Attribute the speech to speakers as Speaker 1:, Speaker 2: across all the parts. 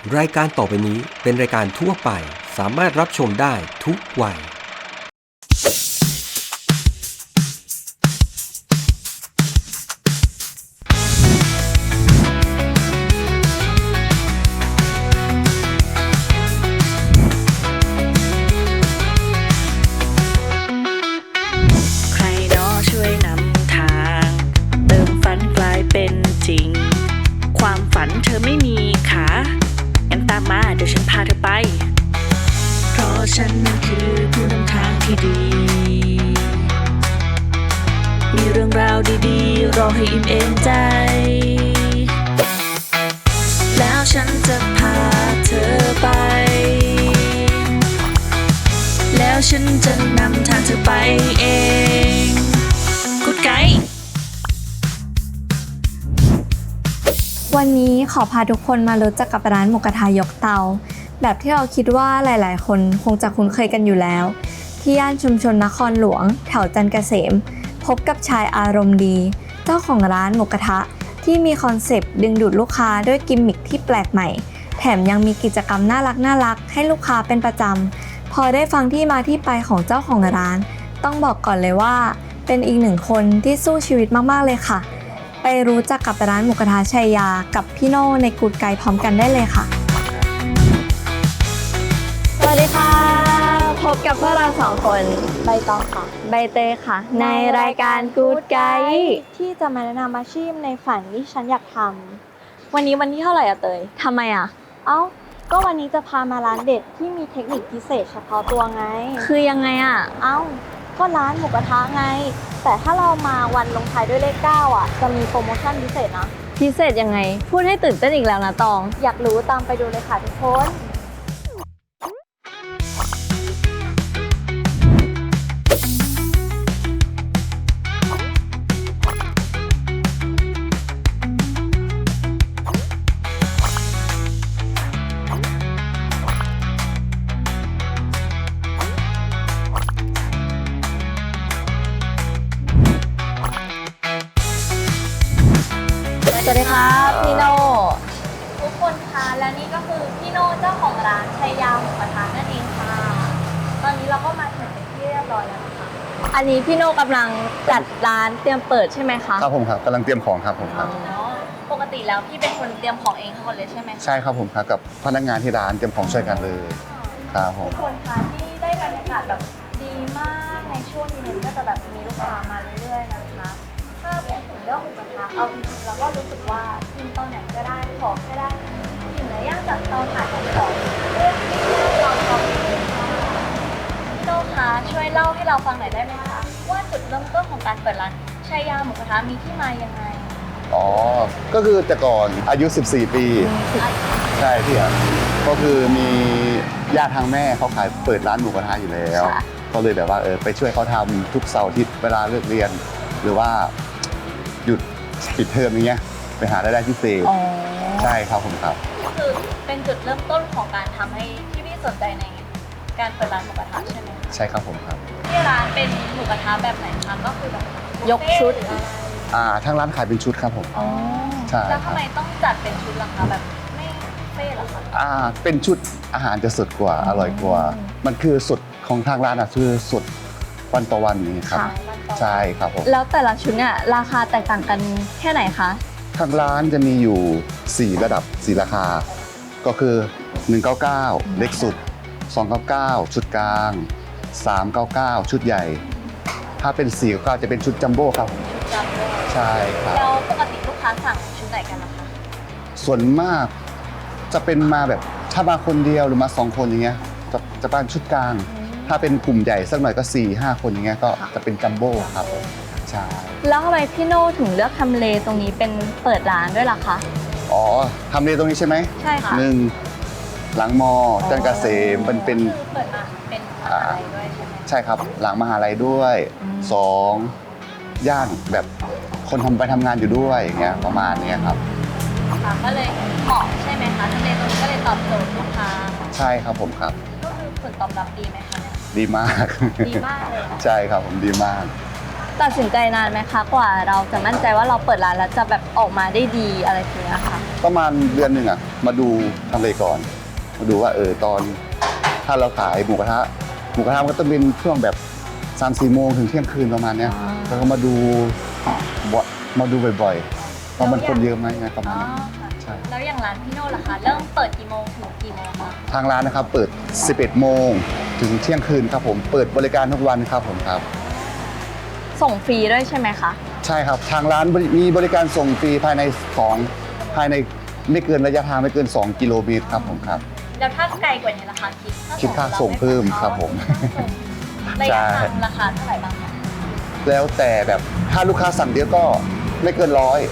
Speaker 1: รายการต่อไปนี้เป็นรายการทั่วไปสามารถรับชมได้ทุกวัย
Speaker 2: ใครเนาะช่วยนำทางเติมฝันกลายเป็นจริงความฝันเธอไม่มีขางั้นตามมาเดี๋ยวฉันพาเธอไปเพราะฉันนั้นคือผู้นำทางที่ดีมีเรื่องราวดีๆรอให้อิ่มเอมใจแล้วฉันจะพาเธอไปแล้วฉันจะนำทางเธอไปเองกูดไกด์
Speaker 3: วันนี้ขอพาทุกคนมารู้จักกับร้านหมูกระทะยกเตาแบบที่เราคิดว่าหลายๆคนคงจะคุ้นเคยกันอยู่แล้วที่ย่านชุมชนนครหลวงแถวจันทร์เกษมพบกับชายอารมณ์ดีเจ้าของร้านหมูกระทะที่มีคอนเซปต์ดึงดูดลูกค้าด้วยกิมมิคที่แปลกใหม่แถมยังมีกิจกรรมน่ารักให้ลูกค้าเป็นประจำพอได้ฟังที่มาที่ไปของเจ้าของร้านต้องบอกก่อนเลยว่าเป็นอีกหนึ่งคนที่สู้ชีวิตมากๆเลยค่ะไปรู้จักกับร้านหมูกระทะชัยยากับพี่โน่ในกูดไกด์พร้อมกันได้เลยค่ะสวัสดีค่ะพบกับพวกเราสองคนใบตองค่ะใบเตยค่ะในรายการกูดไกด์ที่จะมาแนะนำอาชีพในฝันที่ฉันอยากทำวันนี้วันที่เท่าไหร่อะเตยทำไมอะก็วันนี้จะพามาร้านเด็ดที่มีเทคนิคพิเศษเฉพาะตัวไงคือยังไงอะก็ร้านหมูกระทะไงแต่ถ้าเรามาวันลงท้ายด้วยเลข 9อ่ะจะมีโปรโมชั่นพิเศษนะพิเศษยังไงพูดให้ตื่นเต้นอีกแล้วนะตองอยากรู้ตามไปดูเลยค่ะทุกคนสวัสดีครับพี่โน่ทุกคนคะและนี่ก็คือพี่โน่เจ้าของร้านชัยยาหมูกระทะนั่นเองค่ะตอนนี้เราก็มาถึงเป็นที่เรียบร้อยแล้วนะคะอันนี้พี่โน่กำลังจัดร้านเตรียมเปิดใช่ไหมคะ
Speaker 4: ครับผมครับกำลังเตรียมของครับผมครับ
Speaker 3: ปกติแล้วพี่เป็นคนเตรียมของเองทั้งหมดเลยใช่ไหม
Speaker 4: ใช่ครับผมครับกับพนักงานที่ร้านเตรียมของช่วยกันเลยครับผม
Speaker 3: ทุกคนคะที่ได้บรรยากาศแบบดีมากในช่วงนี้ก็จะแบบมีลูกค้ามาเรื่อยๆนะคะถ้าพูดถึงเรื่องหมูกระทะเอาจริงๆเราก็รู้สึกว่ากินตอนไหนก็ได้ของก็ได้กินเนื้อย่างจากเตาถ่านของเรื่องที่เราทำพี่โน่คะช่วยเล่าให้เราฟังหน่อยได้ไหมคะว่าจุดเริ่มต้นของการเปิดร้านชัยยาหมูกระทะมีที่มายังไง
Speaker 4: ก็คือแต่ก่อนอายุ14 ปีใช่พี่ครับก็คือมีญาติทางแม่เขาขายเปิดร้านหมูกระทะอยู่แล้วก็เลยแบบว่าไปช่วยเขาทำทุกเสาร์อาทิตย์เวลาเลิกเรียนหรือว่าหยุดปิดเทอมอย่างเงี้ยไปหารายได้พิเศษใช่ครับผมครับ
Speaker 3: คือเป็นจุดเริ่มต้นของการทำให้พี่สนใจในการเปิดร้านหมูกระทะใช่ไหม
Speaker 4: ใช่ครับผมครับ
Speaker 3: ที่ร้านเป็นหมูกระทะแบบไหนคะก็คือแบบยกชุด
Speaker 4: ทางร้านขายเป็นชุดครับผม
Speaker 3: ใช่แล้วทำไมต้องจัดเป็นชุดล่ะคะแบบไม่เฟ่หรอคะ
Speaker 4: เป็นชุดอาหารจะสดกว่าอร่อยกว่ามันคือสดของทางร้านคือสดวันต่อวันนี้ครับใช่ครับผม
Speaker 3: แล้วแต่ละชุดเนี่ยราคาแตกต่างกันแค่ไหนคะ
Speaker 4: ทางร้านจะมีอยู่4ระดับ4ราคาก็คือ199เล็กสุด299ชุดกลาง399ชุดใหญ่ถ้าเป็น499จะเป็นชุดจัมโบ้ครับ
Speaker 3: จัมโบ้
Speaker 4: ใช่ครับ
Speaker 3: แล้วปกติลูกค้าสั่งชุดไหนกันนะคะ
Speaker 4: ส่วนมากจะเป็นมาแบบถ้ามาคนเดียวหรือมา2คนอย่างเงี้ยจะเป็นชุดกลางถ้าเป็นกลุ่มใหญ่สักหน่อยก็4-5 คนอย่างเงี้ยก็จะเป็นจัมโบ้ครับใช่
Speaker 3: แล้วทำไมพี่โน่ถึงเลือกทำเลตรงนี้เป็นเปิดร้านด้วยล่ะคะ
Speaker 4: ทำเลตรงนี้ใช่ไหม
Speaker 3: ใช่ค่ะ
Speaker 4: หลังมอจันทร์เกษมมันเป็น
Speaker 3: เปิดมาเป็นมหาลัยด้วยใช่ไหม
Speaker 4: ใช่ครับหลังมหาลัยด้วย2ย่านแบบคนไปทำงานอยู่ด้วยอย่างเงี้ยประมาณนี้ครับ
Speaker 3: ก็เลยเหมาะใช่ไหมคะทำเลตรงนี้ก็เลยตอบโจทย์ลูกค้า
Speaker 4: ใช่ครับผมครับ
Speaker 3: ก็คือผลตอบรับดีไหมคะเนี่ย
Speaker 4: ดีมาก
Speaker 3: เลย
Speaker 4: ใช่ครับผมดีมาก
Speaker 3: ตัดสินใจนานไหมคะกว่าเราจะมั่นใจว่าเราเปิดร้านแล้วจะแบบออกมาได้ดีอะไรอย่างเงี้ยค่ะ
Speaker 4: ประมาณเดือนหนึ่งอ่ะมาดูทำเลก่อนมาดูว่าตอนถ้าเราขายหมูกระทะมันก็ต้องเป็นช่วงแบบ3-4 โมงถึงเที่ยงคืนประมาณเนี้ยแล้วก็มาดูบ่อยๆว่ามันคนเยอะไหมไงประมาณนี้ใช่
Speaker 5: แล้วอย่างร้านพี่โน่ล่ะคะเริ่มเปิดกี่โมงถึงกี่โมงคะ
Speaker 4: ทางร้านนะครับเปิด 11 โมงถึงเที่ยงคืนครับผมเปิดบริการทุกวันครับผมครับ
Speaker 3: ส่งฟรีด้วยใช่ไหมคะ
Speaker 4: ใช่ครับทางร้านมีบริการส่งฟรีภายในไม่เกินระยะทางไม่เกิน 2 กิโลเมตรครับผมครับ
Speaker 5: แล้วถ้าไกลกว่านี้ล่ะคะ
Speaker 4: คิดค่าส่งเพิ่มครับผม
Speaker 5: ระยะทางราคาเท่าไหร่บ้างคะ
Speaker 4: แล้วแต่แบบถ้าลูกค้าสั่งเยอะก็ไม่เกิน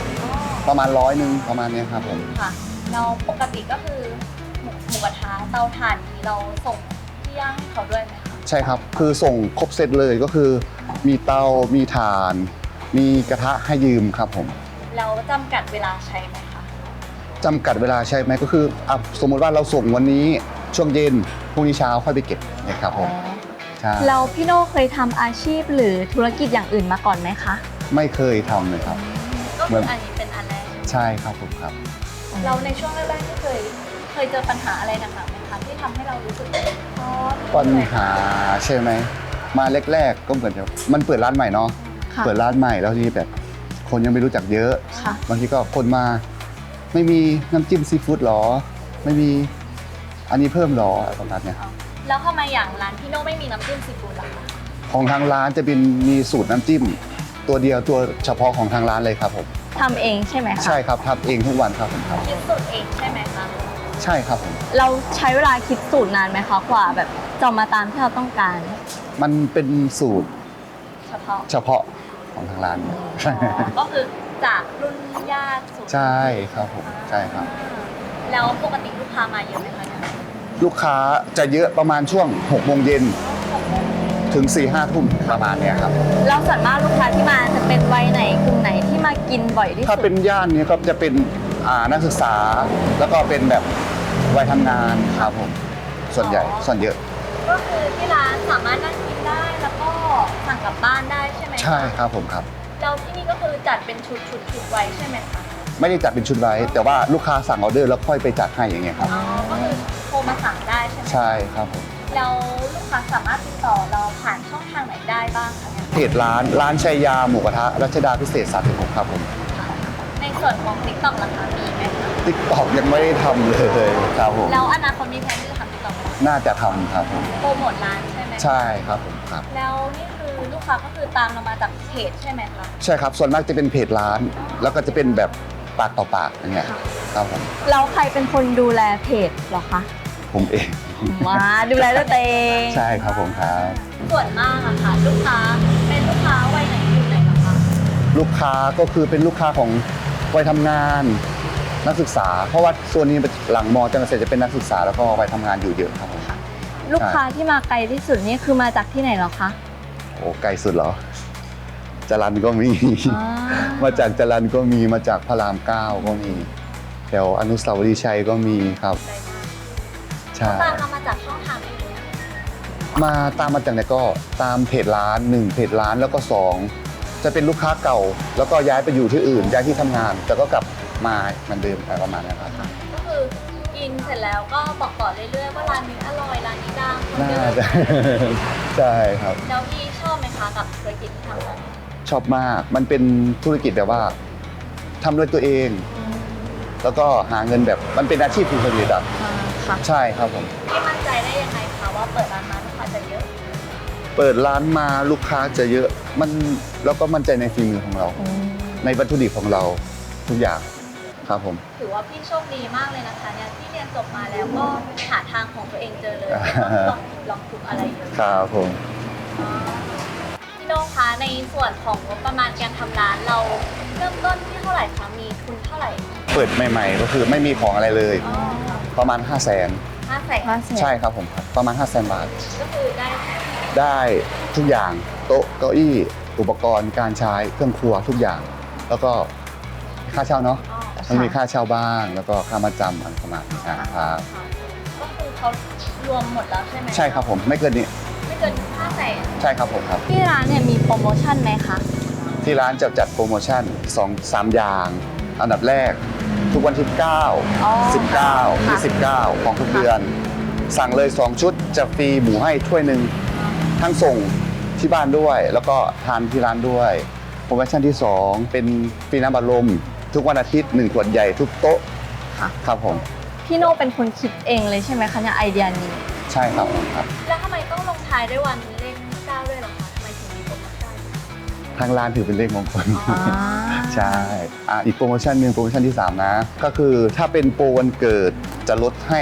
Speaker 4: 100ประมาณ100ประมาณเนี้ยครับผม
Speaker 5: ค่ะเราปกติก็คือหมูกระทะเตาถ่านนี้เราส่งที่ย่างให้เขาด้วยไหมคะ
Speaker 4: ใช่ครับคือส่งครบเซตเลยก็คือมีเตา มีถ่าน มีกระทะให้ยืมครับผม
Speaker 5: แล้วจำกัดเวลาใช้ไหมคะ
Speaker 4: จำกัดเวลาใช่ไหมก็คือสมมติว่าเราส่งวันนี้ช่วงเย็นพรุ่งนี้เช้าค่อยไปเก็บนะครับผมใช่
Speaker 3: แล้วพี่โน่เคยทำอาชีพหรือธุรกิจอย่างอื่นมาก่อนไหมคะ
Speaker 4: ไม่เคยทำเลยครับ
Speaker 5: ก็คืออันนี้เป็นอันแรก
Speaker 4: ใช่ครับผมครับ
Speaker 5: เราในช่วงแรกๆที่เคยเจอปัญหาอะไรหนักๆไหมคะที่ทำให้เรารู้สึกท้อ
Speaker 4: ปัญหาใช่ไหมมาแรกๆก็เหมือนจะมันเปิดร้านใหม่เนาะ
Speaker 3: ค่ะ
Speaker 4: เปิดร้านใหม่แล้วทีนี้แบบคนยังไม่รู้จักเยอะ
Speaker 3: ค่ะ
Speaker 4: บางทีก็คนมาไม่มีน้ำจิ้มซีฟู้ดหรอไม่มีอันนี้เพิ่มหรออะไรประมาณเนี้ย
Speaker 5: แล้วทำไมอย่างร้านพี่โน่ไม่มีน้ำจิ้มซีฟู้ดล่ะคะ
Speaker 4: ของทางร้านจะเป็นมีสูตรน้ำจิ้ม ตัวเดียวตัวเฉพาะของทางร้านเลยครับผม
Speaker 3: ทำเองใช่ไหมคะ
Speaker 4: ใช่ครับทำเองทุกวันครับผมครับ
Speaker 5: คิดสูตรเองใช่ไหมคะ
Speaker 4: ใช่ครับผม
Speaker 3: เราใช้เวลาคิดสูตรนานไหมคะกว่าแบบจะมาตามที่เราต้องการ
Speaker 4: มันเป็นสูตร
Speaker 5: เฉพาะ
Speaker 4: เฉพาะของทางร้าน
Speaker 5: ก็คือจากรุ่นญาติสู่
Speaker 4: ใช่ครับผมใช่ครับ
Speaker 5: แล้วปกติลูกค้ามาเยอะไหมคะเนี่ย
Speaker 4: ลูกค้าจะเยอะประมาณช่วง6 โมงเย็นถึง 4-5 ทุ่มประมาณเนี้ยครับ
Speaker 3: เราส่วนมากลูกค้าที่มาจะเป็นวัยไหนกลุ่มไหนที่มากินบ่อยที่
Speaker 4: ถ้า
Speaker 3: สุด
Speaker 4: เป็นย่านนี้ก็จะเป็นนักศึกษา แล้วก็เป็นแบบวัยทำงานครับผมส่วนใหญ่ส่วนเยอะ
Speaker 5: ก็คือที่ร้านสามารถนั่งกินได้แล้วก็สั่งกลับบ้านได้ใช่ไหมคะ
Speaker 4: ใช่ครับผมครับ
Speaker 5: แล้วที่นี่ก็คือจัดเป็นชุดไว้ใช่ไหมคะ
Speaker 4: ไม่ได้จัดเป็นชุดไว้ แต่ว่าลูกค้าสั่งออเดอร์แล้วค่อยไปจัดให้อย่างเงี้ยครับ
Speaker 5: อ๋อก็คือโทรมาสั่งได้ใช่ไหม
Speaker 4: ใช่ครับผม
Speaker 5: แล้วลูกค้าสามารถติดต่อเราผ่านช่องทางไหนได้บ้างคะเนี่ย
Speaker 4: เพจร้านชัยยาหมูกระทะรัชดาพิเศษ36ครับผม
Speaker 5: ในส่วนของ TikTok ราคามีไหมคะ
Speaker 4: ติ๊กตอกยังไม่ได้ทำเลยครับผม
Speaker 5: แล้วอนาคตมีแผนที่จะทำ TikTok ไหม
Speaker 4: น่าจะทำครับผม
Speaker 5: โปรโมทร้านใช่ไหม
Speaker 4: ใช่ครับผมครับ
Speaker 5: แล้วนี่คือลูกค้าก็คือตามเรามาจากเพจใช่ไหมคะ
Speaker 4: ใช่ครับส่วนมากจะเป็นเพจร้าน แล้วก็จะเป็นแบบปากต่อปากอย่างเงี้ยครับผม
Speaker 3: แล้วใครเป็นคนดูแลเพจเหรอคะ
Speaker 4: ผมเอง
Speaker 3: มาดูแลด้วยตัวเอง
Speaker 4: ใช่ครับผมครับ
Speaker 5: ส่วนมากอะค่ะลูกค้าเป็นลูกค้าวัยไหนกลุ่มไหนบ้างคะ
Speaker 4: ลูกค้าก็คือเป็นลูกค้าของวัยทำงานนักศึกษา เพราะว่าส่วนนี้หลังมอจังเกษตรจะเป็นนักศึกษาแล้วก็วัยทำงานอยู่เยอะครับผม
Speaker 3: ลูกค้าที่มาไกลที่สุดนี่คือมาจากที่ไหนเหรอคะ
Speaker 4: โอ้ไกลสุดเหรอจรัญก็มี
Speaker 3: อ่า
Speaker 4: มาจากจรัญก็มีมาจากพระราม9ก็มีแถวอนุสาวรีย์ชัยก็มีครับ
Speaker 5: ได้มาก
Speaker 4: ใช่
Speaker 5: ตามเรามาจากช่องทางไหนคะ
Speaker 4: มาตามมาจากไหนก็ตามเพจร้าน1เพจร้านแล้วก็2จะเป็นลูกค้าเก่า แล้วก็ย้ายไปอยู่ที่อื่นย้ายที่ทำงาน แต่ก็กลับมาเหมือนเดิมอะไรประมาณนี้ครับ
Speaker 5: ก็คือกินเสร็จแล้วก็บอกต่อเรื่อยๆว่าร้านนี้อร่อยร้านนี้ดังคน
Speaker 4: น่า
Speaker 5: เดิน
Speaker 4: จะ ใช่ครับ
Speaker 5: แล้วพี่ชอบไหมคะกับธุรกิจที่ทำกัน
Speaker 4: ชอบมาก มันเป็นธุรกิจแบบว่าทำด้วยตัวเอง แล้วก็หาเงินแบบมันเป็นอาชีพสุจริตอ่ะ
Speaker 3: ค่ะ
Speaker 4: ใช่ครับผม
Speaker 5: พี่มั่นใจได้ยังไงคะว่าเปิดร้านมาลูกค้าจะเยอะ
Speaker 4: เปิดร้านมาลูกค้าจะเยอะมันแล้วก็มั่นใจในฝีมือของเรา ในวัตถุดิบของเราทุกอย่างครับผม
Speaker 5: ถือว่าพี่โชคดีมากเลยนะคะเนี่ยที่เรียนจบมาแล้วก็หาทางของตัวเองเจอเลยลองผิดลองถูกอะไรเยอะ
Speaker 4: ครับผม
Speaker 5: พี่โน่คะในส่วนของงบประมาณการทำร้านเราเริ่มต้นที่เท่าไหร่คะมีทุนเท่าไหร่
Speaker 4: เปิดใหม่ๆก็คือไม่มีของอะไรเลย ประมาณ 500,000
Speaker 5: 500,000
Speaker 4: ใช่ครับผมครับประมาณ 500,000 บาท
Speaker 5: ก็คือได้
Speaker 4: ได้ทุกอย่างโต๊ะเก้าอี้อุปกรณ์การใช้เครื่องครัวทุกอย่าง แล้วก็ค่าเช่าเนาะมันมีค่าเช่าบ้างแล้วก็ค่ามาจำอะไรประมาณนี้ครับ
Speaker 5: ก็คือเขารวมหมดแล้วใช่ไหม
Speaker 4: ใช่ครับผมไม่เกินนี้
Speaker 5: ไม่เกิน500,000
Speaker 4: ใช่ครับผมครับ
Speaker 3: ที่ร้านเนี่ยมีโปรโมชั่นไหมคะ
Speaker 4: ที่ร้านจะจัดโปรโมชั่น2-3 อย่าง อันดับแรกทุกวันที่
Speaker 3: อ๋อ
Speaker 4: 9 19
Speaker 3: ค่ะ
Speaker 4: 29 ของทุกเดือน สั่งเลย 2 ชุดจะฟรีหมูให้ถ้วยหนึ่งทั้งส่งที่บ้านด้วย แล้วก็ทานที่ร้านด้วยโปรโมชั่นที่ 2 เป็นฟรีน้ำบัดลมทุกวันอาทิตย์1ขวดใหญ่ทุกโต๊ะ
Speaker 3: ค่ะ
Speaker 4: ครับผม
Speaker 3: พี่โน่เป็นคนคิดเองเลยใช่ไหมคะเนี่ยไอเดียนี้
Speaker 4: ใช่ครับผมครับ
Speaker 5: แล้วทำไมต้องลงท้ายด้วยวันเลข9ด้วยเหรอคะทำไมถึงมีโปรโมชั่น
Speaker 4: ทางร้านถือเป็นเลขมงคล
Speaker 3: อ่า
Speaker 4: ใช่อีกโปรโมชั่นหนึ่งโปรโมชั่นที่ 3 นะ ก็คือถ้าเป็นโปรวันเกิดจะลดให้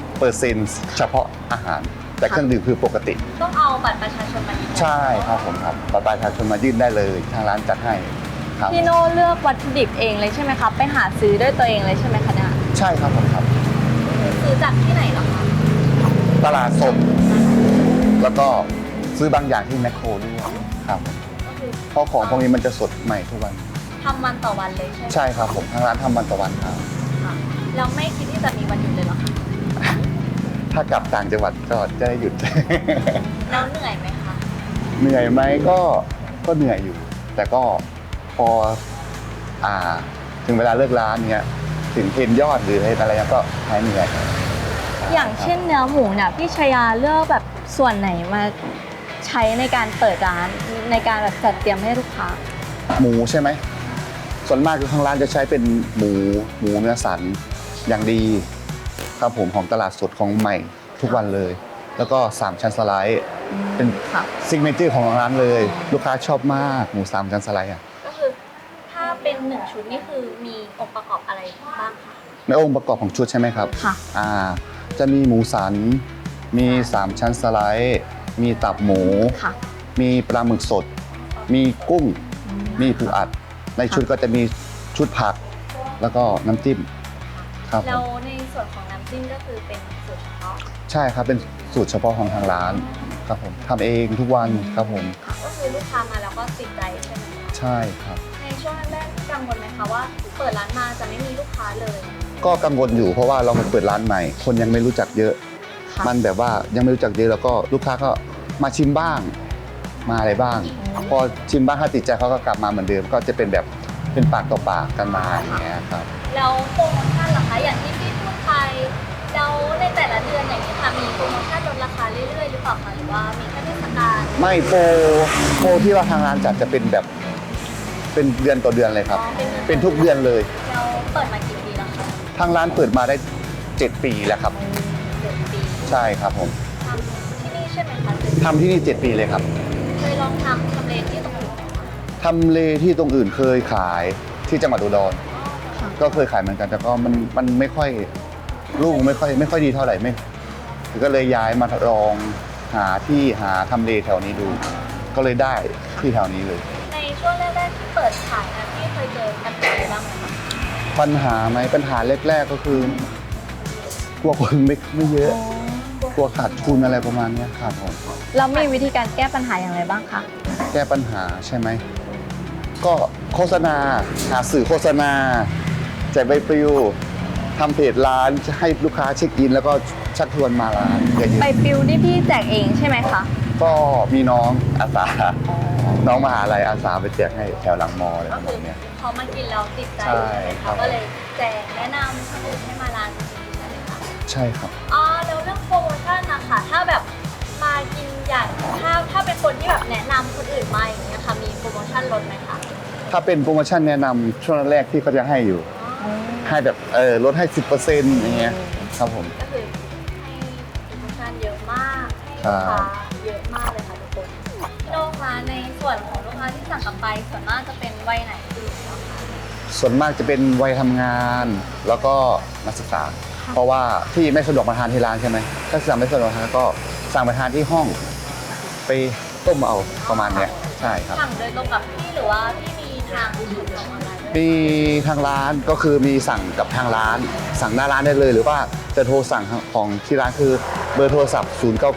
Speaker 4: 10%เฉพาะอาหาร แต่เครื่องดื่มคือปกติ
Speaker 5: ต้องเอาบัตรประชาชนมายืนยัน
Speaker 4: ใช่ครับผมครับบัตรประชาชนมายื่นได้เลย ทางร้านจัดให้ครับ
Speaker 3: พี่โน่เลือกวัตถุดิบเองเลยใช่ไหมคะไปหาซื้อด้วยตัวเองเลยใช่ไหมคะเนี่ย
Speaker 4: ใช่ครับผมครับ
Speaker 5: ซื้อจากที่ไหนเหรอคะ
Speaker 4: ตลาดสด แล้วก็ซื้อบางอย่างที่แมคโครด้วยครับ
Speaker 5: ก็คือ
Speaker 4: เพราะของพวกนี้มันจะสดใหม่ทุกวัน
Speaker 5: ทำวันต่อวันเลยใช่ไหม
Speaker 4: ใช่ครับผมทางร้านทำวันต่อวันครับ
Speaker 5: ค่ะเราไม่คิดที่จะมีวันหยุดเลยเหรอคะ
Speaker 4: ถ้ากลับต่างจังหวัดก็จะได้หยุด
Speaker 5: แล้วเหนื่อยไหมคะ
Speaker 4: เหนื่อยไหมก็เหนื่อยอยู่ แต่ก็พอถึงเวลาเลิกร้านเนี้ยถึงเห็นยอดหรืออะไรก็หายเหนื่อย
Speaker 3: อย่างเช่นเนื้อหมูเนี่ยพี่ชยาเลือกแบบส่วนไหนมาใช้ในการเปิดร้านในการแบบจัดเตรียมให้ลูกค้า
Speaker 4: หมูใช่ไหมส่วนมากคือทางร้านจะใช้เป็นหมูเนื้อสันอย่างดีครับผมของตลาดสดของใหม่ทุกวันเลย แล้วก็3ชั้นสไลด์เป็น
Speaker 3: ค่ะ
Speaker 4: ซิกเนเจอร์ของร้านเลย ลูกค้าชอบมากหมู3ชั้นสไลด์อ่ะ
Speaker 5: ก็คือถ้าเป็น1ชุดนี่คือมีองค์ประกอบอะไรบ้างคะ
Speaker 4: ในองค์ประกอบของชุดใช่ไหมครับ
Speaker 3: ค่ะ
Speaker 4: จะมีหมูสัน มี3ชั้นสไลด์ มีตับหมู
Speaker 3: ค่ะ
Speaker 4: มีปลาหมึกสด มีกุ้ง มีปูอัด ในชุดก็จะมีชุดผัก แล้วก็น้ำจิ้มครับผ
Speaker 5: แล้ว
Speaker 4: ม
Speaker 5: ในส่วนของน้ำจิ้มก็คือเป็นสูตรเฉพาะ
Speaker 4: ใช่ครับ เป็นสูตรเฉพาะของทางร้านครับผมทำเองทุกวันครับผม
Speaker 5: ก็คือลูกค้ามาแล้วก็ติดใจใช่ไหมคะ
Speaker 4: ใช่ครับ
Speaker 5: ในช่วงแรกๆกังวลไหมคะว่าเปิดร้านมาจะไม่มีลูกค้าเลย
Speaker 4: ก็กังวลอยู่เพราะว่าเราเปิดร้านใหม่ คนยังไม่รู้จักเยอะ
Speaker 3: ค่ะ
Speaker 4: มันแบบว่ายังไม่รู้จักเยอะแล้วก็ลูกค้าก็มาชิมบ้าง มาอะไรบ้าง พอชิมบ้างถ้าติดใจเขาก็กลับมาเหมือนเดิม ก็จะเป็นแบบเป็นปากต่อปากกันมาอย่างเงี้ยครับ
Speaker 5: แล้วโปรโมชั่นล่ะคะอย่างที่พี่พูดไปแล้วในแต่ละเดือนอย่างนี้ค่ะมีโปรโมชั่นลดราคาเรื่อยๆหรือเปล่าคะหรือว่ามีแค่เทศกาล
Speaker 4: ไม่โปรที่ว่าทางร้านจัดจะเป็นแบบเป็นเดือนต่อเดือนเลยครับ เป็นทุกเดือนเลย
Speaker 5: เราเปิดมากี่ปีแล้วคะ
Speaker 4: ทางร้านเปิดมาได้ 7 ปีแล้วครับ
Speaker 5: 7 ปี
Speaker 4: ใช่ครับผม
Speaker 5: ทำที่นี่ใช่ไหมคะ
Speaker 4: ทำที่นี่ 7 ปีเลยครับ
Speaker 5: เคยลองทำเลที่ตรงอื่นไหมคะ
Speaker 4: ทำเลที่ตรงอื่นเคยขายที่จังหวัดอุดร ก็เคยขายเหมือนกันแต่ก็มันไม่ค่อยลูกไม่ค่อยดีเท่าไหร่ไม่ก็เลยย้ายมาลองหาทำเลแถวนี้ดู ก็เลยได้ที่แถวนี้เลย
Speaker 5: ในช่วงแรกๆที่เปิดขายนะพี่เคยเจอปัญหาอะไรบ้างไหมคะ
Speaker 4: ปัญหาไหมปัญหาแรกๆก็คือกลัวคนไม่เยอะกลัวขาดทุนอะไรประมาณเนี้ยครับผม
Speaker 3: เรามีวิธีการแก้ปัญหาอย่างไรบ้างคะ
Speaker 4: แก้ปัญหาใช่ไหมก็โฆษณาหาสื่อโฆษณาแจกใบปลิวทำเพจร้านให้ลูกค้าเช็คอิน แล้วก็ชักชวนมาร้านเยอะ
Speaker 3: ไปปิวนี่พี่แจกเองใช่ไหมคะ
Speaker 4: ๆก็มีน้องอาสาน้องมหาลัยอาสาไปแจกให้แถวหลังมออะไร
Speaker 5: ก็
Speaker 4: ประ
Speaker 5: คื
Speaker 4: มา
Speaker 5: อ
Speaker 4: ณเนี้ย
Speaker 5: เขามากินแล้วติดใจ
Speaker 4: ใช่
Speaker 5: ใช่ไหม
Speaker 4: ครั
Speaker 5: คะ
Speaker 4: บ
Speaker 5: ก็เลยแจกแนะนำคนอื่นให้มาร้านนี้ใช่ไหมคะ
Speaker 4: ใช่ครับ
Speaker 5: อ๋อแล้วเรื่องโปรโมชั่นนะคะถ้าแบบมากินอย่างถ้าเป็นคนที่แบบแนะนำคนอื่นมาอย่างเงี้ยค่ะมีโปรโมชั่นลดไหมคะ
Speaker 4: ถ้าเป็นโปรโมชั่นแนะนำช่วงแรกที่เขาจะให้อยู่ ให้แบบลดให้ 10%อย่างเงี้ยครับผม
Speaker 5: ก็คือให้โปรโมชั่นเยอะมากให้
Speaker 4: ครั
Speaker 5: ลู
Speaker 4: บ
Speaker 5: กค้าเยอะมากเลยค่ะทุกคนพี่โน้คะในส่วนของลูกค้าที่สั่งกลับไปส่วนมากจะเป็นวัยไหนคือเหรอคะ
Speaker 4: ส่วนมากจะเป็นวัยทำงาน แล้วก็นักศึกษา เพราะว่าที่ไม่สะดวกมาทานที่ร้านใช่ไหมถ้าสั่งไม่สะดวกทานก็สั่งไปทานที่ห้อง ไปต้มเอาประมาณเนี้ยใช่ครับ
Speaker 5: สั่งโดยตรงกับพี่หรือว่าพี่มีทางส่งออนไลน์ด้วย
Speaker 4: มีทางร้านก็คือมีสั่งกับทางร้าน สั่งหน้าร้านได้เลย หรือว่าจะโทรสั่งของที่ร้านคือเบอร์โทรศัพท์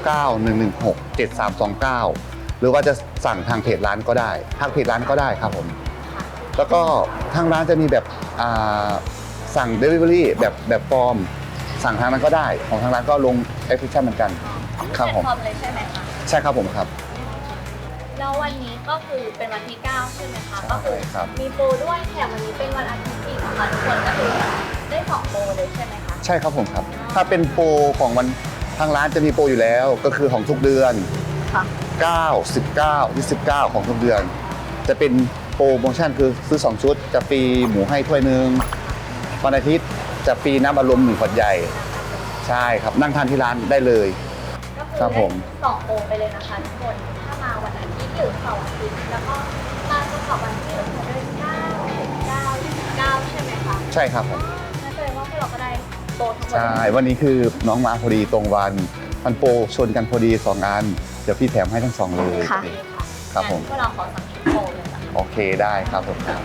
Speaker 4: 0991167329 หรือว่าจะสั่งทางเพจร้านก็ได้ทางเพจร้านก็ได้ครับผม แล้วก็ทางร้านจะมีแบบสั่ง Delivery แบบฟอร์ม สั่งทางนั้นก็ได้ ของทางร้านก็ลงแอปพลิเคชันเหมือนกันครับผม
Speaker 5: แพลตฟอร์มเลยใช่ไหมคะ
Speaker 4: ใช่ครับผมครับ
Speaker 5: แล้ววันนี้ก็คือเป็นวันที่ 9 ใช่ไหมคะ
Speaker 4: ใช่
Speaker 5: ก็คือ
Speaker 4: ครับ
Speaker 5: มีโปรด้วยแถมวันนี้เป็นวันอาทิตย์อีกนะคะทุกคนก็คือได้2โปรเลยใช่ไหมคะ
Speaker 4: ใช่ครับผมครับ ถ้าเป็นโปรของวันทางร้านจะมีโปรอยู่แล้ว ก็คือของทุกเดือน
Speaker 5: ค่ะ
Speaker 4: 9 19 29ของทุกเดือน จะเป็นโปรโมชั่นคือซื้อ2ชุดจะฟรีหมูให้ถ้วยหนึงวันอาทิตย์จะฟรีน้ำอัดลม1ขวดใหญ่ใช่ครับนั่งทานที่ร้านได้เลย
Speaker 5: ก็คือ
Speaker 4: ครับผม
Speaker 5: ได้2โปรไปเลยนะคะทุกคน ถ้ามาวันอาทิตย์หรือเสาร์อาทิตย์แล้วก็มาเฉพาะวันที่เราเดือน9 19 ใช่ไหมคะ
Speaker 4: ใช่ครับผม
Speaker 5: นั่นแสดงว่าพวกเราก็ได้โปรทั้งหมด
Speaker 4: ใช่วันนี้คือน้องมาพอดีตรงวันมันโปรชนกันพอดี2อันเดี๋ยวพี่แถมให้ทั้ง2เลย
Speaker 3: ค่ะ
Speaker 4: ครับผม
Speaker 5: งั้นพวกเราขอสั่งชุดโปรเลยค่ะ
Speaker 4: โอเคได้ครับผมครับ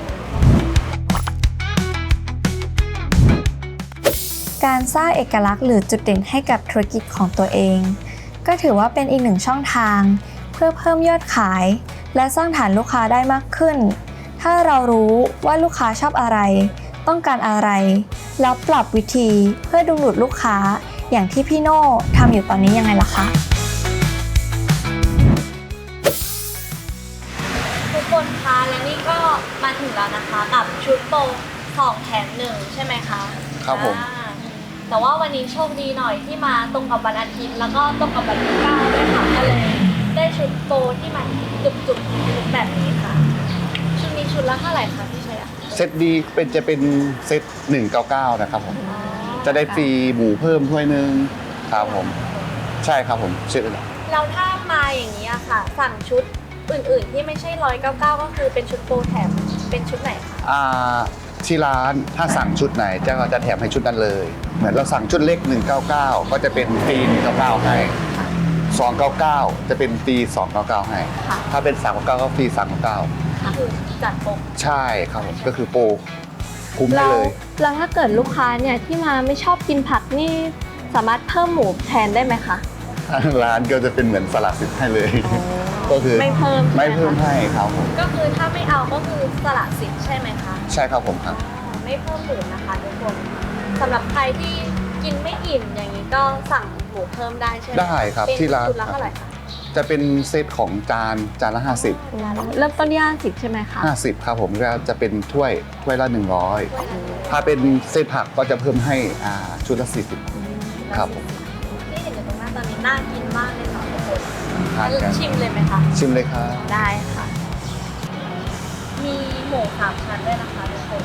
Speaker 3: การสร้างเอกลักษณ์หรือจุดเด่นให้กับธุรกิจของตัวเอง ก็ถือว่าเป็นอีกหนึ่งช่องทาง เพื่อเพิ่มยอดขาย และสร้างฐานลูกค้าได้มากขึ้น ถ้าเรารู้ว่าลูกค้าชอบอะไร ต้องการอะไร แล้วปรับวิธีเพื่อดึงดูดลูกค้า อย่างที่พี่โน่ทำอยู่ตอนนี้ยังไงล่ะคะ
Speaker 5: ทุกคนคะและนี่ก็มาถึงแล้วนะคะกับชุดโปร2แถม1ใช่ไหมคะ
Speaker 4: ครับผม
Speaker 5: แต่ว่าวันนี้โชคดีหน่อยที่มาตรงกับวันอาทิตย์แล้วก็ตรงกับวันที่9ด้วยค่ะก็เลยได้ชุดโปรที่มันจุกๆแบบนี้ค่ะชุดนี้ชุดละเท่าไหร่คะพี่ชัยอะ
Speaker 4: เซตดีจะเป็นเซต199นะครับผมจะได้ฟรีหมูเพิ่มถ้วยหนึงครับผมใช่ครับผมเซต
Speaker 5: แล้วถ้ามาอย่างนี้อะค่ะ สั่งชุดอื่นๆที่ไม่ใช่199ก็คือเป็นชุดโปรแถมเป็นชุดไหนคะ
Speaker 4: ที่ร้านถ้าสั่งชุดไหนจะแถมให้ชุดนั้นเลย เหมือนเราสั่งชุดเล็ก199ก็จะเป็นฟรี199ให้299จะเป็นฟรี299ให้ถ้าเป็น399ก็ฟรี399
Speaker 5: คือจัดโปร
Speaker 4: ใช่ครับผมก็คือโปรคุ้มได้เลย
Speaker 3: แล้วถ้าเกิดลูกค้าเนี่ยที่มาไม่ชอบกินผักนี่สามารถเพิ่มหมูแทนได้ไหมคะ
Speaker 4: ทางร้านก็จะเป็นเหมือนสลัดสิทธิ์ให้เลย ก็คือ
Speaker 3: ไม่เพิ่ม
Speaker 4: ไม่เพิ่มให้ครับผม
Speaker 5: ก็คือถ้าไม่เอาก็คือสละสิทธิ์ใช่ไหมคะ
Speaker 4: ใช่ครับผมครับ
Speaker 5: ไม่เพิ่มหมูนะคะทุกคนสำหรับใครที่กินไม่อิ่มอย่างนี้ก็สั่งหมูเพิ่มได้ใช่ไหม
Speaker 4: ได้ครับ
Speaker 5: เป็น
Speaker 4: ที่ร้าน
Speaker 5: ชุดละเท่าไหร่คะ
Speaker 4: จะเป็นเซตของจานละ
Speaker 3: เริ่มต้นที่50ใช่ไหมคะ
Speaker 4: 50ครับผมก็จะเป็นถ้วยละ100ถ้าเป็นเซตผักก็จะเพิ่มให้ชุดละ40ครับผม
Speaker 5: ที่เห็นอยู่ตรงหน้าตอนนี้น่ากินมากเลยค่ะทุกคน
Speaker 4: ทานกัน
Speaker 5: ชิมเลยไหมคะ
Speaker 4: ชิมเลยครับ
Speaker 5: ได้ค่ะ มีหมู3ชั้นด้วยนะคะทุกคน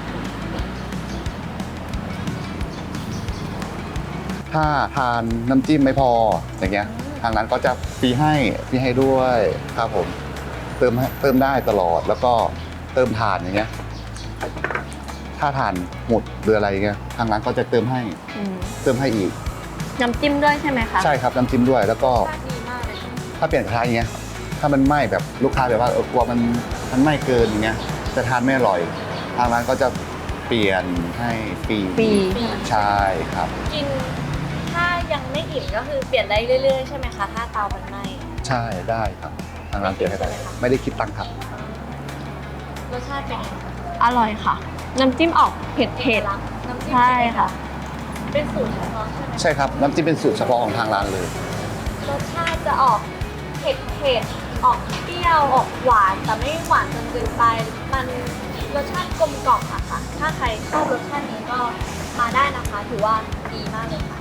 Speaker 4: ถ้าทานน้ำจิ้มไม่พออย่างเงี้ยทางร้านก็จะฟรีให้ด้วยครับผมเติมได้ตลอดแล้วก็เติมถ่านอย่างเงี้ยถ้าถ่านหมดหรืออะไรเงี้ยทางร้านก็จะเติมให้อีก
Speaker 3: น้ำจิ้มด้วยใช่ไหมคะ
Speaker 4: ใช่ครับน้ำจิ้มด้วยแล้วก็
Speaker 5: รสชาติดีมากเลย
Speaker 4: ถ้าเปลี่ยนกระทะอย่างเงี้ยถ้ามันไหม้แบบลูกค้าแบบว่ากลัวมันไหม้เกินอย่างเงี้ยจะทานไม่อร่อยทางร้านก็จะเปลี่ยนให้ฟรี
Speaker 3: ฟรี
Speaker 4: ใช่ครับ
Speaker 5: กินถ้ายังไม่อิ่มก็คือเปลี่ยนได้เรื่อยๆใช่ไหมคะถ้าเตามันไหม้
Speaker 4: ใช่ได้ครับทางร้านเปลี่ยนให้ได้
Speaker 5: ใช่ไหมคะ
Speaker 4: ไม่ได้คิดตังค์ครับ
Speaker 5: รสชาติเป็นไงคะ
Speaker 3: อร่อยค่ะ น้ำจิ้มออกเผ็ด
Speaker 5: น้ำจิ้ม
Speaker 3: ใช่ค่ะ
Speaker 5: เป็นสูตรเฉพาะใช่ไหม
Speaker 4: ใช่ครับน้ำจิ้มเป็นสูตรเฉพาะของทางร้านเลย
Speaker 5: รสชาติจะออกเผ็ดออกเปรี้ยวออกหวานแต่ไม่หวานจนเกินไปมันรสชาติกลมกล่อมอะค่ะ ถ้าใครชอบรสชาตินี้ก็มาได้นะคะถือว่าดีมากเลยค่ะ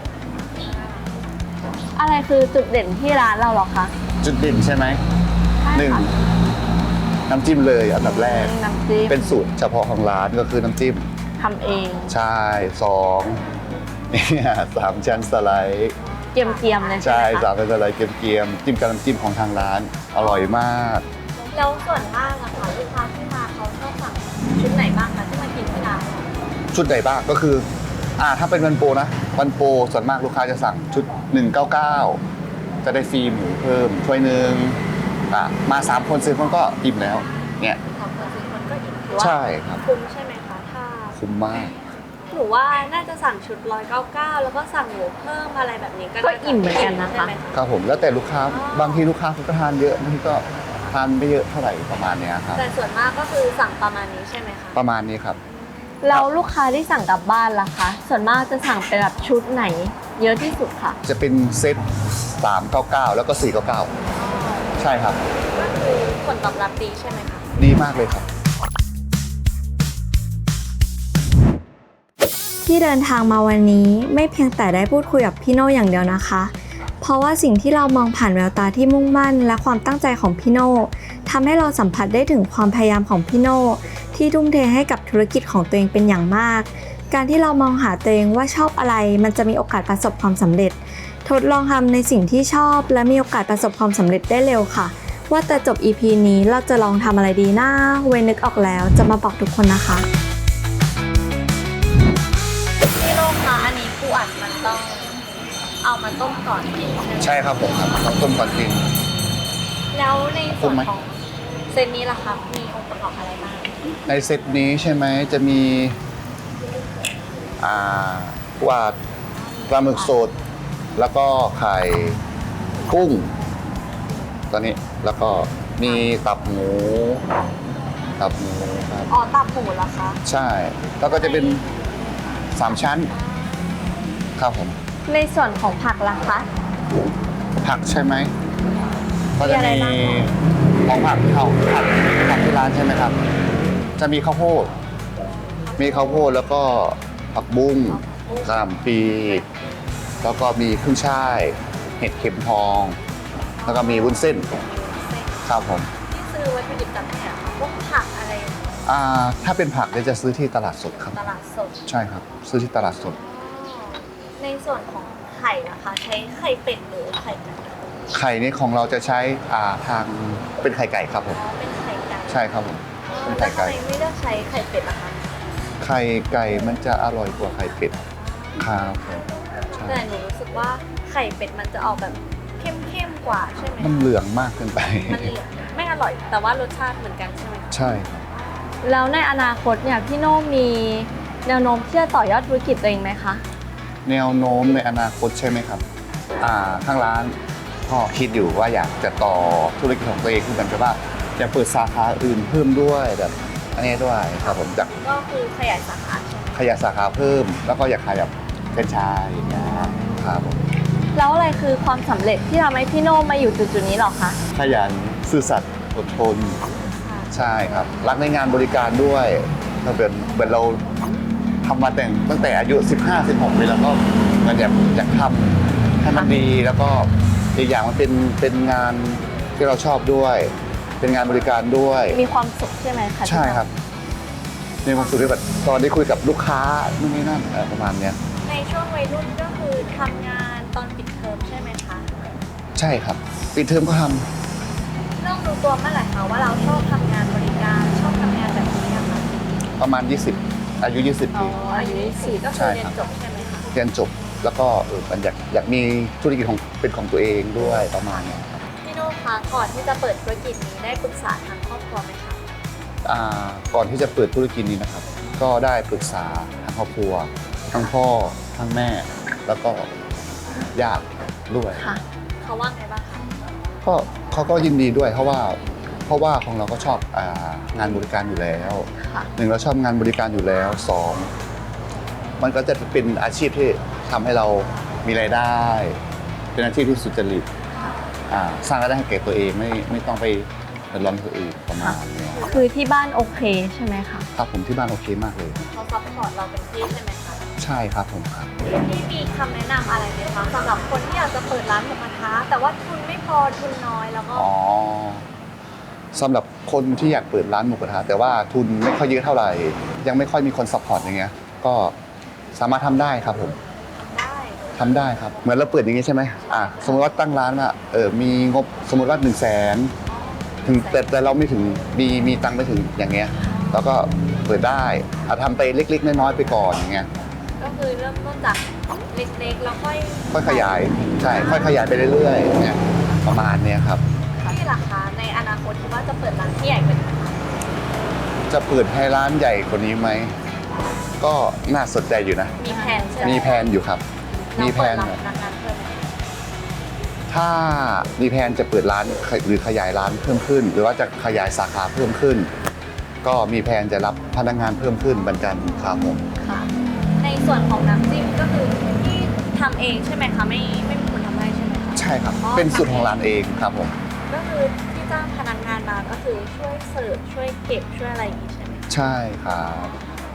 Speaker 3: ๆ อะไรคือจุดเด่นที่ร้านเราหรอคะ
Speaker 4: จุดเด่นใช่ไหม
Speaker 3: ใช่
Speaker 4: หนึ่ง
Speaker 3: ค่ะ
Speaker 4: น้ำจิ้มเลยอันดับแรก
Speaker 3: น้ำจิ้ม
Speaker 4: เป็นสูตรเฉพาะของร้านก็คือน้ำจิ้ม
Speaker 3: ทำเอง
Speaker 4: ใช่สองเนี่ยสามชั้นสไลด์
Speaker 3: เกียมๆเลยใช่
Speaker 4: ใช่
Speaker 3: ไหม
Speaker 4: สา
Speaker 3: คะ
Speaker 4: มชั้นสไลด์เกรียมๆจิ้มกับน้ำจิ้มของทางร้านอร่อยมาก
Speaker 5: แล้วส่วนมากอะค่ะลูกค้าที่มาเขาชอบสั่งชุดไหนบ้างคะที่มากินที่ร้าน
Speaker 4: ชุดไหนบ้างก็คือถ้าเป็นวันโปรนะวันโปรส่วนมากลูกค้าจะสั่งชุด199จะได้ฟรีหมูเพิ่มถ้วยหนึงมา3คน4คนก็อิ่มแล้วเนี่ย
Speaker 5: ของคนซื้อคนก็อิ่มถือว่า
Speaker 4: ใช่ครับ
Speaker 5: คุ้มใช่ไหมคะถ้า
Speaker 4: คุ้มมาก
Speaker 5: หนูว่าน่าจะสั่งชุด199แล้วก็สั่งหมูเพิ่มอะไรแบบนี้ก็
Speaker 3: ก็อิ่มเหมือนกันนะคะ
Speaker 5: ใช่ไหม
Speaker 4: ครับผมแล้วแต่ลูกค้าบางทีลูกค้าเขาก็ทานเยอะบางทีก็ทานไม่เยอะเท่าไหร่ประมาณเนี้ยครับ
Speaker 5: แต่ส่วนมากก็คือสั่งประมาณนี้ใช่ไหมคะ
Speaker 4: ประมาณนี้ครับ
Speaker 3: เราลูกค้าที่สั่งกลับบ้านล่ะคะ ส่วนมากจะสั่งเป็นแบบชุดไหน เยอะที่สุดค่ะ
Speaker 4: จะเป็นเซต399แล้วก็499ใช่ครับ
Speaker 5: ก็คือผลตอบรับดีใช่ไหมคะ
Speaker 4: ดีมากเลยครับ
Speaker 3: ที่เดินทางมาวันนี้ไม่เพียงแต่ได้พูดคุยกับพี่โน่อย่างเดียวนะคะ เพราะว่าสิ่งที่เรามองผ่านแววตาที่มุ่งมั่นและความตั้งใจของพี่โน่ทำให้เราสัมผัสได้ถึงความพยายามของพี่โน่ที่ทุ่มเทให้กับธุรกิจของตัวเองเป็นอย่างมาก การที่เรามองหาตัวเองว่าชอบอะไรมันจะมีโอกาสประสบความสำเร็จ ทดลองทำในสิ่งที่ชอบและมีโอกาสประสบความสำเร็จได้เร็วค่ะ ว่าแต่จบ EP นี้เราจะลองทำอะไรดีนะเวยนึกออกแล้วจะมาบอกทุกคนนะคะ
Speaker 5: พี่โลกคะอันนี้ปูอัดมันต้องเอามาต้มก่อนกินใช่ไหม
Speaker 4: ใช่ครับผมครับต้องต้มก่อนกิน
Speaker 5: แล้วในส่วน
Speaker 4: ต้มไหม
Speaker 5: ของเซตนี้ล่ะคะมีองค์ประกอบอะไรบ้าง
Speaker 4: ในเซตนี้ใช่ไหมจะมีว่าปลาหมึกสดแล้วก็ไข่กุ้งตอนนี้แล้วก็มีตับหมูครับ
Speaker 5: อ๋อตับหมูเหรอคะ
Speaker 4: ใช่แล้วก็จะเป็น3ชั้นครับผม
Speaker 3: ในส่วนของผักล่ะคะ
Speaker 4: ผักใช่ไหมก็จะ
Speaker 3: มีอะไร
Speaker 4: มี
Speaker 3: บ้างคะ
Speaker 4: ของผักที่ร้านใช่ไหมครับ จะมีข้าวโพดแล้วก็ผักบุ้งกระหล่ำปีแล้วก็มีขึ้นช่ายเห็ดเข็มทอง แล้วก็มีวุ้นเส้นครับผม
Speaker 5: ที่ซื้อวัตถุดิบจากไหนอะคะพวกผักอะไร
Speaker 4: ถ้าเป็นผักเนี่ยจะซื้อที่ตลาดสดครับ
Speaker 5: ตลาดสด
Speaker 4: ใช่ครับ ซื้อที่ตลาดสด
Speaker 5: ในส่วนของไข่นะคะ ใช้ไข่เป็ดหรือไข่ไก่
Speaker 4: ไข่นี่ของเราจะใช้ทางเป็นไข่ไก่ครับผม
Speaker 5: อ๋อเป็นไข่ไก่
Speaker 4: ใช่ครับผมเป็น
Speaker 5: แล้ว
Speaker 4: ไข่
Speaker 5: ทำ
Speaker 4: ไก่
Speaker 5: ไมไม่เลือกใช้ไข่เป็ดล่ะคะ
Speaker 4: ไข่ไก่มันจะอร่อยกว่าไข่เป็ดครับผมใช่
Speaker 5: แต่หนูรู้สึกว่าไข่เป็ดมันจะออกแบบเข้มๆกว่าใช่ไหม
Speaker 4: มันเหลืองมากเกินไป
Speaker 5: มันเหลืองไม่อร่อย แต่ว่ารสชาติเหมือนกันใช่ไหมคะ
Speaker 4: ใช่ครับ
Speaker 3: แล้วในอนาคตเนี่ยพี่โน่มีแนวโน้มที่จะต่อยอดธุรกิจตัวเองไหมคะ
Speaker 4: แนวโน้มในอนาคตใช่ไหมครับทางร้านก็คิดอยู่ว่าอยากจะต่อธุรกิจของตัวเองขึ้นไปว่าจะเปิดสาขาอื่นเพิ่มด้วยแบบอันนี้ด้วยครับผมจาก
Speaker 5: ก็คือขยายสาขาใช่ไหม
Speaker 4: ขยายสาขาเพิ่ม แล้วก็อยากขายแบบแฟรนไชส์อย่างเงี้ยครับผม
Speaker 3: แล้วอะไรคือความสำเร็จที่ทำให้พี่โน่มาอยู่จุดๆนี้หรอคะ
Speaker 4: ขยันซื่อสัตย์อดทนใช่ครับรักในงานบริการด้วยถ้าเป็นเราทำมาตั้งแต่อายุ 15-16 ปีแล้วก็มันอยากทำให้มันดีแล้วก็อีกอย่างมันเป็นงานที่เราชอบด้วย เป็นงานบริการด้วย
Speaker 3: มีความสุขใช่ไหมคะ
Speaker 4: ใช่ครับมีความสุขด้วยแบบตอนได้คุยกับลูกค้านู่นนี่นั่นประมาณเนี้ย
Speaker 5: ในช่วงวัยรุ่นก็คือทำงานตอนปิดเทอมใช่ไหมคะ
Speaker 4: ใช่ครับปิดเทอมก็ท
Speaker 5: เริ่มรู้ตัวเมื่อไหร่คะว่าเราชอบทำงานบริการชอบทำงานแบบนี้อะค่ะ
Speaker 4: ำประมาณ 20 อายุ 20 ปี
Speaker 5: อายุ24ก็คือเรียนจบใช่ไหมคะ
Speaker 4: เรียนจบแล้วก็มันอยากมีธุรกิจเป็นของตัวเองด้วยประมาณเนี้ยครับ
Speaker 5: พี่โน่คะก่อนที่จะเปิดธุรกิจนี้ได้ปรึกษาทางครอบครัวไหมคะ
Speaker 4: ก่อนที่จะเปิดธุรกิจนี้นะครับ ก็ได้ปรึกษาทางครอบครัวทั้งพ่อทั้งแม่ แล้วก็ญาติด้วย
Speaker 3: ค่ะ
Speaker 5: เขาว่าไงบ้างคะ
Speaker 4: ก็เขาก็ยินดีด้วยเพราะว่าของเราก็ชอบงานบริการอยู่แล้ว
Speaker 3: ค่ะ
Speaker 4: หนึ่งเราชอบงานบริการอยู่แล้วสองมันก็จะเป็นอาชีพที่ทำให้เรามีรายได้ เป็นอาชีพที่สุจริตสร้างรายได้ให้แก่ตัวเองไม่ต้องไปเดือดร้อนคนอื่นประมาณเนี้ย
Speaker 3: คือที่บ้านโอเคใช่ไหมคะ
Speaker 4: ครับผมที่บ้านโอเคมากเลย
Speaker 5: เขาซัพพอร์ตเราเป็นที่ใช่ไหมคะ
Speaker 4: ใช่ครับผมครับ
Speaker 5: พี่มีคำแนะนำอะไรไหมคะสำหรับคนที่อยากจะเปิดร้านหมูกระทะแต่ว่าทุนไม่พอทุนน้อยแล้วก็
Speaker 4: อ๋อสำหรับคนที่อยากเปิดร้านหมูกระทะแต่ว่าทุนไม่ค่อยเยอะเท่าไหร่ ยังไม่ค่อยมีคนซัพพอร์ตอย่างเงี้ยก็สามารถทำได้ครับผม
Speaker 5: ได้
Speaker 4: ทำได้ครับเหมือนเราเปิดอย่างงี้ใช่ไหมสมมติว่าตั้งร้านมีงบสมมติว่า100,000ถึงแต่เราไม่ถึงมีตังค์ไม่ถึงอย่างเงี้ยแล้วก็เปิดได้ทำไปเล็กๆน้อยๆไปก่อนอย่างเงี้ย
Speaker 5: ก็คือเริ่มต้นจากเล็กๆแล้วค่อย
Speaker 4: ขยายใช่ค่อยขยายไปเรื่อยๆเนี่ยประมาณเนี้ยครับ
Speaker 5: ที่ราคาในอนาคตคิดว่าจะเปิดร้านที่ใหญ่กว่านี้ไหมคะ
Speaker 4: จะเปิดให้ร้านใหญ่กว่านี้ไหมก็น่าสนใจอยู่นะ
Speaker 5: มีแผนใช่ไหม
Speaker 4: มีแผนอยู่ครับมีแผน
Speaker 5: เราเปิดรับพนักงานเพิ่มไหม
Speaker 4: ถ้ามีแผนจะเปิดร้านหรือขยายร้านเพิ่มขึ้น หรือว่าจะขยายสาขาเพิ่มขึ้น ก็มีแผนจะรับพนักงานเพิ่มขึ้นเหมือนกันครับผม
Speaker 5: ค่ะ ในส่วนของน้ำจิ้มก็คือที่ทำเองใช่ไหมคะไม่มีคนทำให้ใช่ไหมคะ
Speaker 4: ใช่ครับเป็นสูตรของร้านเองครับผม
Speaker 5: ก็คือที่จ้างพนักงานมาก็คือช่วยเสิร์ฟช่วยเก็บช่วยอะไรอย่างนี้ใช่ไหมคะ
Speaker 4: ใช่ครับ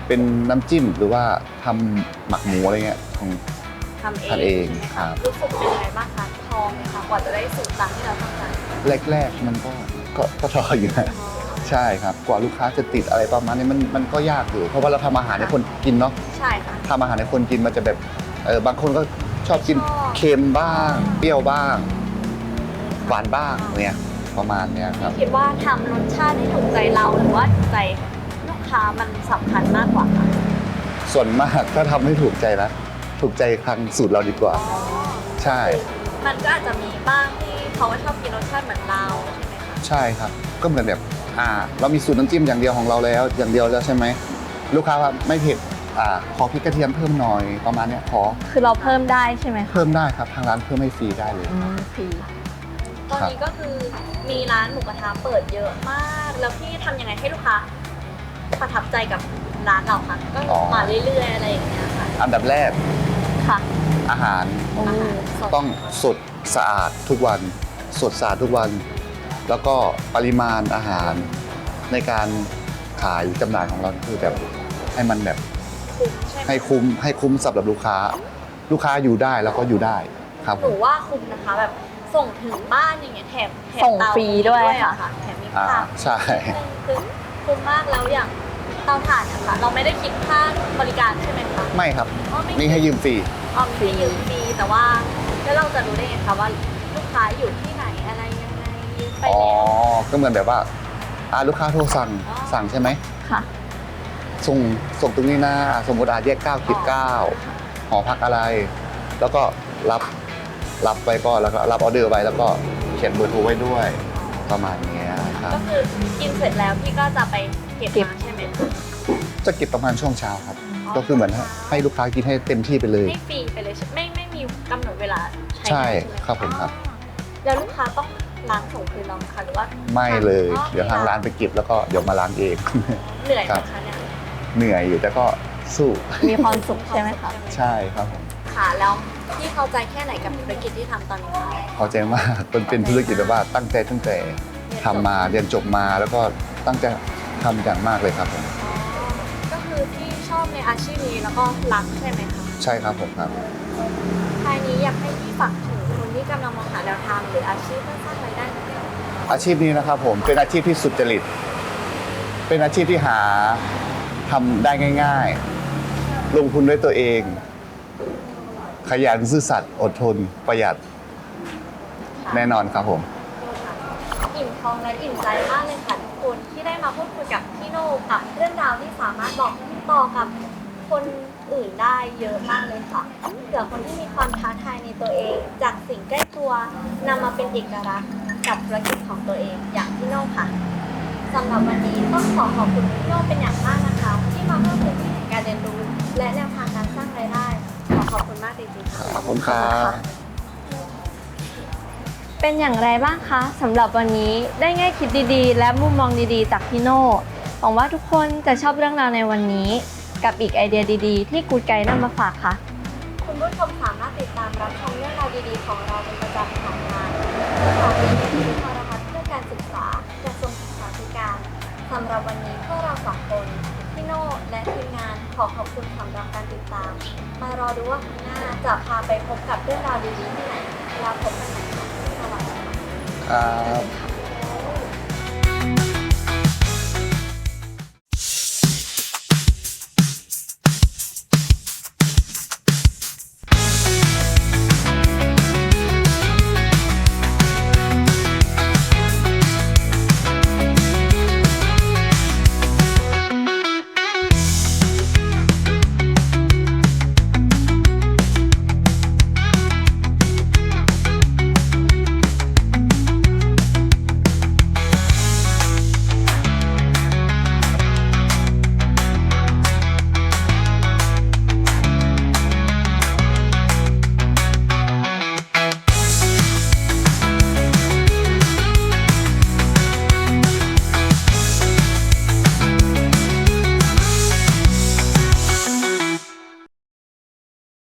Speaker 4: เป็นน้ำจิ้มหรือว่าทำหมักหมูอะไรเงี้ยของ
Speaker 5: ทำเอง
Speaker 4: ทำเอง
Speaker 5: ใช่ไหม
Speaker 4: ครั
Speaker 5: คะ
Speaker 4: บ
Speaker 5: รู้สึกเป็นยังไงบ้างคะทองไหมคะกว่าจะได้สูตรตามที่เราต้องการ
Speaker 4: แรกๆมันก็ทออยู่นะใช่ครับกว่าลูกค้าจะติดอะไรประมาณนี้มันก็ยากอยู่เพราะว่าเราทำอาหารให้คนกินเนาะ
Speaker 5: ใช่ค่ะ
Speaker 4: ทำอาหารให้คนกินมันจะแบบบางคนก็ชอบกิน
Speaker 5: ชอบ
Speaker 4: เค็มบ้างเปรี้ยวบ้างหวานบ้างเนี่ยประมาณเนี้ยครับ
Speaker 5: คิดว่าทำรสชาติให้ถูกใจเราหรือว่าถูกใจลูกค้ามันสำคัญมากกว่าคะ
Speaker 4: ส่วนมากถ้าทำให้ถูกใจนะถูกใจทางสูตรเราดีกว่า ใช่
Speaker 5: มันก็อาจจะมีบ้างที่เขาว่าชอบกินรสชาติเหมือนเราใช่ไหมคะ
Speaker 4: ใช่ครับก็เหมือนแบบเรามีสูตรน้ำจิ้มอย่างเดียวของเราแล้วอย่างเดียวแล้วใช่ไหมลูกค้าว่าไม่เผ็ดขอพริกกระเทียมเพิ่มหน่อยประมาณเนี้ยขอ
Speaker 3: คือเราเพิ่มได้ใช่ไหมคะ
Speaker 4: เพิ่มได้ครับทางร้านเพิ่มให้ฟรีได้เลย
Speaker 3: ฟรี
Speaker 5: ตอนนี้ก็คือมีร้านหมูกระทะเปิดเยอะมาก แล้วพี่ทำยังไงให้ลูกค้าประทับใจกับร้านเราคะก็มาเรื่อยๆอะไรอย่างเงี้ยค่ะ
Speaker 4: อันดับแรก
Speaker 5: ค่ะ
Speaker 4: อาหาร
Speaker 5: อาหารสด
Speaker 4: ต้องสดสะอาดทุกวันสดสะอาดทุกวัน แล้วก็ปริมาณอาหารในการขายจำหน่ายของเราคือแบบให้มันแบบ
Speaker 5: คุ้มใช่ไหม
Speaker 4: ให้คุ้มสำหรับลูกค้า ลูกค้าอยู่ได้แล้วก็อยู่ได้ครับ
Speaker 5: หนูว่าคุ้มนะคะแบบส่งถึงบ้านอย่างเงี้ยแถม
Speaker 3: ส่ง
Speaker 5: เตา
Speaker 3: ฟรีด้วย
Speaker 5: อะ
Speaker 3: ค่ะ
Speaker 5: แถมมี
Speaker 4: อ่า
Speaker 5: ผัก
Speaker 4: ใช่
Speaker 5: คือคุ้มมากแล้วอย่างเตาถ่านนะคะเราไม่ได้คิดค่าบริการใช่ไหมคะ
Speaker 4: ไม่ครับ
Speaker 5: อ๋อไม่
Speaker 4: นี่ให้ยืมฟรี
Speaker 5: อ๋อมีให้ยืมฟรีแต่ว่าแล้วเราจะรู้ได้ไงคะว่าลูกค้าอยู่ที่ไหนอะไรยังไงยืมไป
Speaker 4: อ๋อ
Speaker 5: แล้ว
Speaker 4: ก็เหมือนแบบว่าลูกค้าโทรสั่งใช่ไหม
Speaker 3: ค่ะ
Speaker 4: ส่งตรงนี้นะสมมติแยก9/9หอพักอะไร แล้วก็รับไปก็แล้วก็รับออเดอร์ไว้แล้วก็เขียนเบอร์โทรไว้ด้วยประมาณเนี้ยครับ
Speaker 5: ก็คือกินเสร็จแล้วพี่ก็จะไปเก็บมาใช่ไหมคะ
Speaker 4: จะเก็บประมาณช่วงเช้าครับ ก็คือเหมือนให้ลูกค้ากินให้เต็มที่ไปเลย
Speaker 5: ให้ฟรีไปเลยใช่ไม่มีกำหนดเวลาใช้
Speaker 4: ใช่
Speaker 5: งานไห
Speaker 4: ครับผมครับ
Speaker 5: แล้วลูกค้าต้องล้างส่งคืนเราไหมคะหรือว่า
Speaker 4: ไม่เลย
Speaker 5: อ๋อ
Speaker 4: เดี๋ยวทางร้านไปเก็บแล้วก็เดี๋ยวมาล้างเอง
Speaker 5: เหนื่อยไห
Speaker 4: ค
Speaker 5: ม
Speaker 4: รับ
Speaker 5: คะเนี่ย
Speaker 4: เหนื่อยอยู่แต่ก็สู้
Speaker 3: มีความสุขใช่ไหมคะ
Speaker 4: ใช่ครับผม
Speaker 5: ค่ะแล้วพี่พอใจแค่ไหนกับธุรกิจที่ทำตอนนี้คะ
Speaker 4: พอใจมากเป็นธุรกิจแบบว่าตั้งแต่ทำมาเรียนจบมาแล้วก็ตั้งใจทำอย่างมากเลยครับผม
Speaker 5: อ๋อก็คือที่ชอบในอาชีพนี้แล้วก็รักใช่ไหมคะ
Speaker 4: ใช่ครับผมครับ
Speaker 5: ท้ายนี้อยากให้พี่ฝากถึงคนที่กำลังมองหาแนวทางหรืออาชีพเพื่อสร้างรายได้ให้กับ
Speaker 4: อาชีพนี้นะครับผมเป็นอาชีพที่สุจริต เป็นอาชีพที่หาทำได้ง่าย ๆ ลงทุนด้วยตัวเอง ขยันซื่อสัตย์อดทนประหยัดแน่นอนครับผม
Speaker 5: อิ่มท้องและอิ่มใจมากเลยค่ะทุกคนที่ได้มาพูดคุยกับพี่โน่กับเรื่องราวที่สามารถบอกต่อกับคนอื่นได้เยอะมากเลยค่ะเผื่อคนที่มีความท้าทายในตัวเอง จากสิ่งใกล้ตัวนำมาเป็นเอกลักษณ์กับธุรกิจของตัวเองอย่างพี่โน่ค่ะสำหรับวันนี้ต้องขอบคุณพี่โน่เป็นอย่างมากนะคะ ที่มาเพิ่มพื้นที่การเรียนรู้ และแนวทางการสร้างรายได้ขอบคุณมากจริงๆค่ะ
Speaker 4: ขอบคุณครับ
Speaker 3: เป็นอย่างไรบ้างคะสำหรับวันนี้ได้แง่คิดดีๆ และมุมมองดีๆ จากพี่โน่หวังว่าทุกคนจะชอบเรื่องราวในวันนี้ กับอีกไอเดียดีๆ ที่กูดไกด์นำมาฝากค่ะ
Speaker 5: คุณผู้ชมสามารถติดตามรับชมเรื่องราวดีๆของเราเป็นประจำผ่านทางสถานีวิทยุโทรทัศน์เพื่อการศึกษากระทรวงศึกษาธิการสำหรับวันนี้พวกเราสองคนพี่โน่และทีมงานขอบคุณสำหรับการติดตาม มารอดูว่าครั้งหน้าจะพาไปพบกับเรื่องราวดีๆที่ไหนแล้วพบกันใหม่ค่ะสวัสดีค่ะ
Speaker 4: ครับ